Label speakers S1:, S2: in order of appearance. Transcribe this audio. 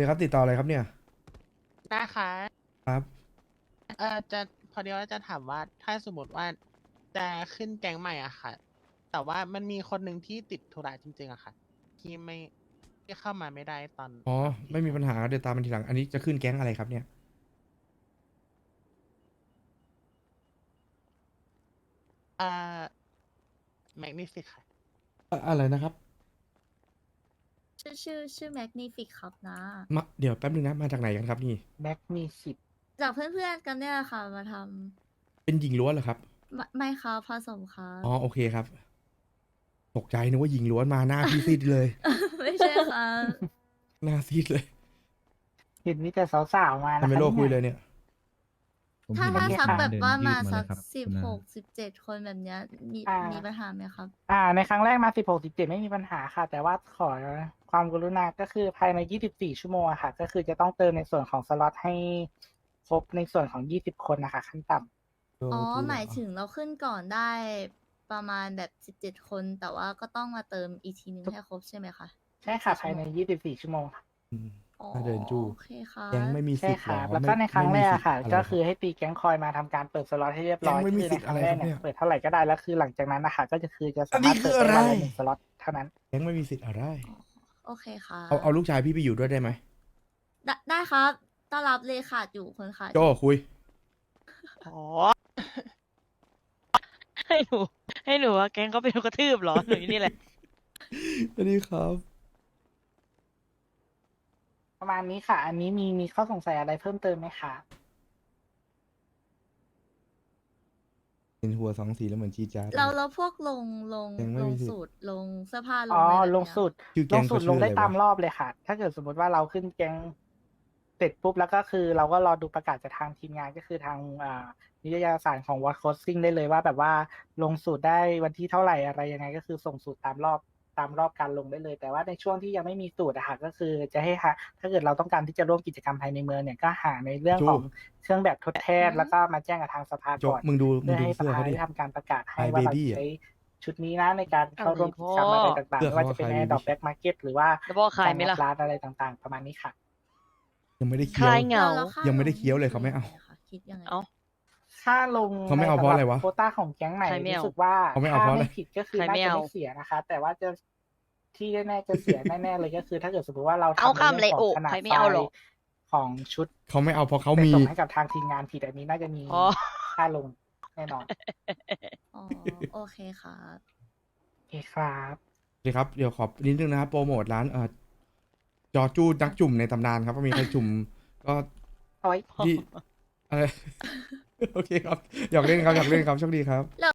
S1: ดี๋ยวครับติดต่ออะไรครับเนี่ย
S2: นะคะ
S1: ครับ
S2: จะพอดีว่าจะถามว่าถ้าสมมติว่าจะขึ้นแก๊งใหม่อะค่ะ แต่ว่ามันมีคนหนึ่งที่ติดธุระจริงๆอะค่ะ ที่ไม่ที่เข้ามาไม่ได้
S1: อ๋อ
S2: ตอนที่
S1: ไม่มีปัญ
S2: แก๊ง
S1: หาเดี๋ยวตามมันทีหลังอันนี้จะขึ้นแก๊งอะไรครับเนี่ย
S2: เอ่อแมกนิฟิกค่ะ
S1: อะไรนะครับ
S3: ชื่อแมกนิฟิกครับนะ
S1: มาเดี๋ยวแป๊บนึงนะมาจากไหนกันครับนี่
S4: แม็กมีสิบ
S3: จากเพื่อนๆกันเนี่ยค่ะมาท
S1: เป็นหญิงล้วนเหรอครับ
S3: ำไม่ครับผสมครับ
S1: อ๋อโอเคครับตกใจนึกว่าหญิงล้วนมาหน้าพี่ซีดเลย
S3: ไม่ใช่ครับ
S1: หน้าซีดเลย
S4: เห็นมีแต่สาวๆมา
S1: ทำ
S4: นะ
S1: ไม
S4: คะ
S1: โลกคุย
S4: เนี่
S1: เลย ยเนี่ย
S3: ถ้า
S4: เห็น
S3: สักแบบ
S5: เดิน
S3: ว่า
S5: ยื
S3: มา
S5: ด
S3: สัก
S5: เลยครับ
S3: สิบ
S5: คุณ
S3: ห
S5: น้า
S3: ก17 คนแบบเนี้ยมีปัญหาไหมครับ
S4: ในครั้งแรกมา16 17ไม่มีปัญหาค่ะ แต่ว่าขอความกรุณาก็คือภายใน24ชั่วโมงอะค่ะ ก็คือจะต้องเติมในส่วนของสล็อตให้ครบในส่วนของ20คนนะคะขั้นต่ำ
S3: อ๋อหมายถึงเราขึ้นก่อนได้ประมาณแบบ17 คน แต่ว่าก็ต้องมาเติมอีกทีนึงให้ครบใช่ไหมคะ
S4: ใช่ค่ะภายใน24ชั่วโมงค่ะ
S1: อืม
S3: อ๋อ
S1: ถ้าเดินจู้
S3: โอเคค่ะ
S1: แก๊งไม่มี
S4: ใช่
S1: สิทธิ์หร
S4: ค่ะ
S1: อ
S4: แล้วก็ในครั้งแรกอะค่ะ
S1: ไม่มีสิทธิ์
S4: ก็
S1: อะไร
S4: คือให้ตีแก๊งคอยมาทำการเปิดสล็อตให้เรียบร้อย
S1: แก๊งไม่มี
S4: คือ
S1: สิ
S4: ใน
S1: ทธิ์
S4: ครั้งแรก
S1: อะไรครับเนี่
S4: เนี่ย ยเปิดเท่าไหร่ก็ได้แล้วคือหลังจากนั้นนะคะก็จะคือจะ
S1: อั
S4: สาน
S1: นี้
S4: มารถ
S1: คื
S4: เปิ
S1: อ
S4: ด
S1: อะไร
S4: ได้วันละ1 สล็อตเท่านั้น
S1: แก๊งไม่มีสิทธิ์อะไร
S3: โอเคค่ะ
S1: เอาลูกชายพี่ไปอยู่ด้วยได้ไหม
S3: ได้ครับต้อนรับเลยขาดอยู่คนขาดอ
S1: โจ
S3: ยู่
S1: คุย
S6: อ๋อ ให้หนูให้หนูว่าแก๊งเขาเป็นกระทืบเหรอ หนูอยู่นี่แหละ
S1: สวัสดีครับ
S4: ประมาณนี้ค่ะ อันนี้มีข้อสงสัยอะไรเพิ่มเติมไหมคะ
S1: เป็นหัวสองสีแล้วเหมือนจีจ้าด
S3: เราพวก
S1: ยังไม่
S3: ลง
S1: มีสิทธิ์
S3: สูตรลงเสื้อผ้าลง
S4: อ๋อ
S3: อะไรแบบ
S4: ลง
S3: เนี้ย
S4: สุด
S1: ชื่อ
S4: ล
S1: แก๊
S4: ง
S1: ง
S4: สุ
S1: เขา
S4: ด
S1: ชื่
S4: ล
S1: อง อะไร
S4: ได้ตาม
S1: วะ
S4: รอบเลยค่ะ ถ้าเกิดสมมติว่าเราขึ้นแก๊งเสร็จปุ๊บแล้วก็คือเราก็รอดูประกาศจากทางทีมงานก็คือทางนิตยสารของ What Costing ได้เลยว่าแบบว่าลงสูตรได้วันที่เท่าไหร่อะไรยังไงก็คือส่งสูตรตามรอบการลงได้เลย แต่ว่าในช่วงที่ยังไม่มีสูตรอะค่ะก็คือจะให้หาถ้าเกิดเราต้องการที่จะร่วมกิจกรรมภายในเมืองเนี่ยก็หาในเรื่องของเครื่องแบบทดแทนแล้วก็มาแจ้งกับทางสภา
S1: โจ
S4: ก่อน
S1: มึงดู
S4: เพื่อให้ส
S1: เสื้อ
S4: ภา
S1: เขาดิ
S4: ได้ทำการประกาศให้
S1: Hi
S4: ว่าเรา
S1: Baby
S4: ใช้ชุดนี้นะในการเข้าร่วมกิจกรรมอะไรต่างๆ
S1: เสื้อ
S4: ไม่
S1: เขา
S4: ว่าจะเป็น
S1: Hi
S4: แอ
S1: Baby
S4: ร์ดรอปแบ็กมาร์เก็ตหรือว่า
S6: แล้วบอกขายไหมล่ะ
S4: ร้านอะไรต่างๆ ประมาณนี้ค่ะ
S1: ยังไม่ได้
S6: ค
S1: เคี้ยว
S6: ลายเหงา
S3: แล้วค่า
S1: ยังไม่ได้
S3: ล
S1: เคี้ยวเลยเขาไม่เอา
S3: ค่ะคิดยังไง
S6: เอ้า
S4: ค่าลง
S1: เขาไม่เอาเพราะอะไรวะ
S4: โควต้าของแก๊งใหม่
S6: ใครไม่เอา
S4: รู้สึกว่า
S1: เขาไม่เอาเพราะอะไร
S4: ถ้ผิดก็คือ
S6: ใคร
S4: น่า
S6: ไม่
S4: จะ
S6: เอา
S4: ไม่เสียนะคะ แต่ว่าจะที่แน่ๆจะเสีย แน่ๆเลยก็คือ ถ้าเกิดสมมติว่าเรา
S6: เอา
S4: ทำใน
S6: คำเลย
S4: เรื่องของ
S6: โอ้
S4: ขนาด
S6: ใครไม่
S4: ไฟ
S6: เอาหรอก
S4: ล์ของชุด
S1: เขาไม่เอาเพราะเขา
S4: ไป
S1: มี
S4: ส่งให้กับทางทีมงานผิดอันนี้น่าจะมี
S6: อ๋อ
S4: ค่าลงแน่นอน
S3: อ๋อโอเคครับ
S4: โอเคครับ
S1: โอเคครับ เดี๋ยวขอนิดนึงนะครับโปรโมทร้านจอจู้นักจุ่มในตำนานครับว่ามีใครจุ่มก็
S4: เอาไว้
S1: ที่อะไร โอเคครับ อยากเล่นครับ อยากเล่นครับโชคดีครับ